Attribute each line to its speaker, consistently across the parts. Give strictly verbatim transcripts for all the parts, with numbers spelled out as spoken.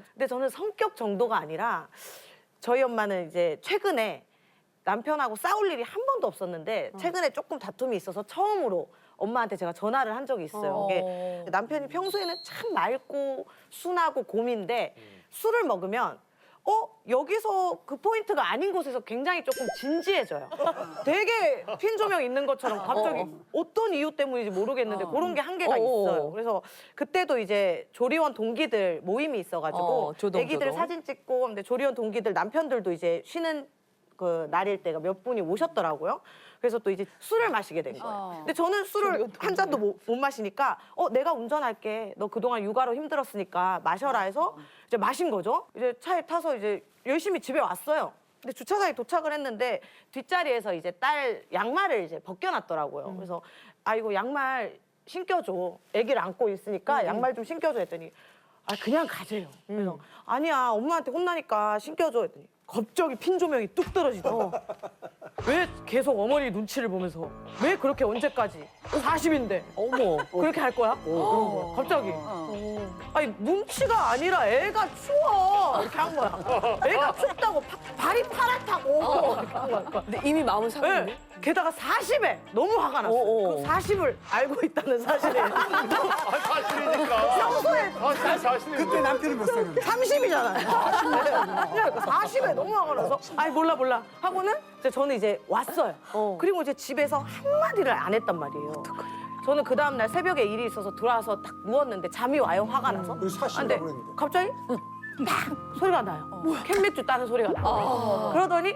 Speaker 1: 근데 저는 성격 정도가 아니라 저희 엄마는 이제 최근에 남편하고 싸울 일이 한 번도 없었는데 최근에 조금 다툼이 있어서 처음으로 엄마한테 제가 전화를 한 적이 있어요. 이게 남편이 평소에는 참 맑고 순하고 곰인데 술을 먹으면 어? 여기서 그 포인트가 아닌 곳에서 굉장히 조금 진지해져요. 되게 핀 조명 있는 것처럼 갑자기 어떤 이유 때문인지 모르겠는데 그런 게 한계가 있어요. 그래서 그때도 이제 조리원 동기들 모임이 있어가지고
Speaker 2: 어, 조동,
Speaker 1: 애기들
Speaker 2: 조동.
Speaker 1: 사진 찍고 근데 조리원 동기들 남편들도 이제 쉬는 그 날일 때가 몇 분이 오셨더라고요. 그래서 또 이제 술을 마시게 된 거예요. 근데 저는 술을 한 잔도 못, 못 마시니까 어 내가 운전할게. 너 그동안 육아로 힘들었으니까 마셔라 해서 이제 마신 거죠. 이제 차에 타서 이제 열심히 집에 왔어요. 근데 주차장에 도착을 했는데 뒷자리에서 이제 딸 양말을 이제 벗겨놨더라고요. 그래서 아 이거 양말 신겨줘. 아기를 안고 있으니까 양말 좀 신겨줘 했더니 아 그냥 가재요. 그래서 아니야 엄마한테 혼나니까 신겨줘 했더니 갑자기 핀 조명이 뚝 떨어지더라고. 왜 계속 어머니 눈치를 보면서 왜 그렇게 언제까지 사십인데
Speaker 2: 어머.
Speaker 1: 그렇게 할 거야? 갑자기 아니 눈치가 아니라 애가 추워 이렇게 한 거야. 애가 춥다고 파- 발이 파랗다고 이렇게 한 거야.
Speaker 2: 근데 이미 마음은 상했네.
Speaker 1: 네. 게다가 사십에 너무 화가 났어.
Speaker 2: 어, 어.
Speaker 1: 그 사십을 알고 있다는 사실에
Speaker 3: 아, 사실이니까.
Speaker 1: 평소에
Speaker 3: 사실 사실이.
Speaker 4: 그때 남편이 몇 살이었는데?
Speaker 1: 삼십이잖아요. 그러니까 사십에 너무 화가 나서 아이 몰라 몰라 하고는 이제 저는 이제 왔어요. 그리고 이제 집에서 한마디를 안 했단 말이에요. 저는 그 다음날 새벽에 일이 있어서 들어와서 딱 누웠는데 잠이 와요, 화가 나서.
Speaker 4: 그래서 사십이라고
Speaker 1: 근데
Speaker 4: 그랬는데.
Speaker 1: 갑자기 딱 소리가 나요. 캔맥주 따는 소리가 나요. 그러더니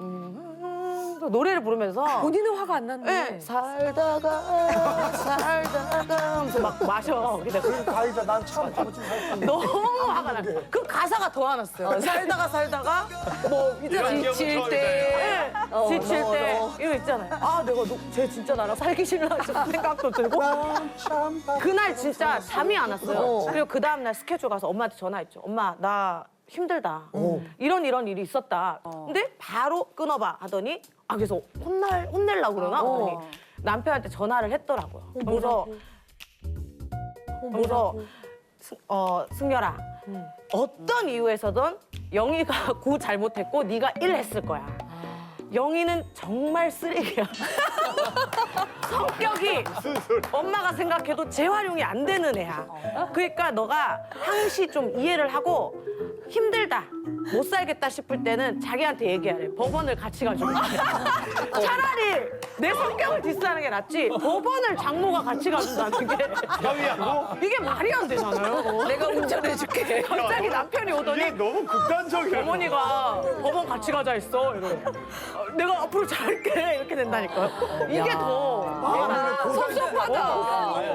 Speaker 1: 음, 또 노래를 부르면서
Speaker 2: 본인은 화가 안 났네.
Speaker 1: 네, 살다가 살다가 하면서 막 마셔. 근데 그
Speaker 4: 가이자 난 참 바보짓 살았는데.
Speaker 1: 너무 화가 나. 그 가사가 더 화났어요. 살다가 살다가 뭐 있잖아요.
Speaker 3: 이런
Speaker 2: 지칠
Speaker 3: 기억은
Speaker 2: 때.
Speaker 1: 네,
Speaker 2: 어,
Speaker 1: 지칠
Speaker 2: 너,
Speaker 1: 때
Speaker 2: 너.
Speaker 1: 이거 있잖아요. 아 내가 너, 쟤 진짜 나랑 살기 싫나 싶은 생각도 들고
Speaker 4: 참 바보.
Speaker 1: 그날 진짜 잠이 안 왔어요. 그리고 그 다음날 스케줄 가서 엄마한테 전화했죠. 엄마 나 힘들다. 이런 이런 일이 있었다. 근데 바로 끊어봐 하더니 아 그래서 혼날 혼내려고 그러나 하더니 남편한테 전화를 했더라고요. 그래서 그래서 승- 어 승열아 어떤 이유에서든 영희가 구 잘못했고 네가 일 했을 거야. 영희는 정말 쓰레기야. 성격이 엄마가 생각해도 재활용이 안 되는 애야. 그러니까 너가 항시 좀 이해를 하고 힘들다, 못 살겠다 싶을 때는 자기한테 얘기하래. 법원을 같이 가지고. 차라리 내 성격을 디스하는 게 낫지 법원을 장모가 같이 가준다는 게
Speaker 3: 형이하고?
Speaker 1: 이게 말이 안 되잖아요.
Speaker 2: 내가 운전해줄게.
Speaker 1: 갑자기 남편이 오더니
Speaker 3: 이게 너무 극단적이야.
Speaker 1: 어머니가 법원 같이 가자 했어. 이러고. 어, 내가 앞으로 잘할게. 이렇게 된다니까요. 이게 더.
Speaker 2: 섭섭하다.